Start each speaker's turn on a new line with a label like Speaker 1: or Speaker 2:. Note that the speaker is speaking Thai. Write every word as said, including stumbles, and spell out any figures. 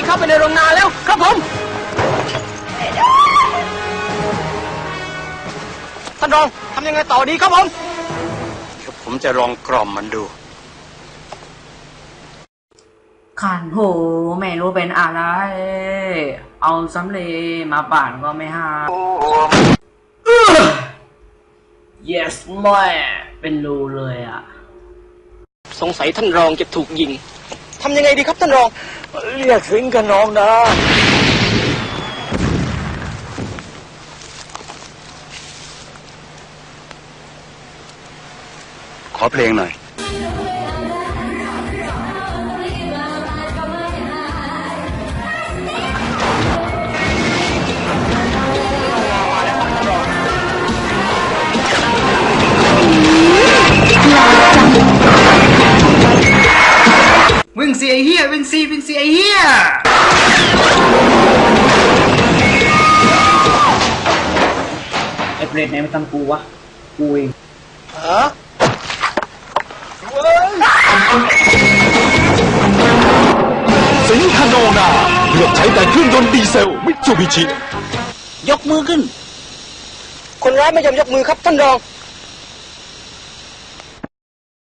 Speaker 1: เข้าไปในโรงงานแล้วครับผมท่านรองทำยังไงต่อดีครับผมผมจะลองกล่อมมันดู
Speaker 2: ขันโหไม่รู้เป็นอะไรเอาสำเร็จมาป่านก็ไม่หา yes แม่เป็นรูเลยอ่ะ
Speaker 1: สงสัยท่านรองจะถูกยิงทำยังไงดีครับท่านรองเรียกสิงกับน้องนะขอเพลงหน่อย
Speaker 2: วิ่งเสียเฮียวิ่งซีวิ่งเสียเฮียไอ้เปรตไหนมาทำกูวะกูเองฮะ
Speaker 3: สิงคโนนาเลือกใช้แต่เครื่องยนต์ดีเซลมิตซูบิชิ
Speaker 1: ยกมือขึ้นคนร้ายไม่ยอมยกมือครับท่านรอง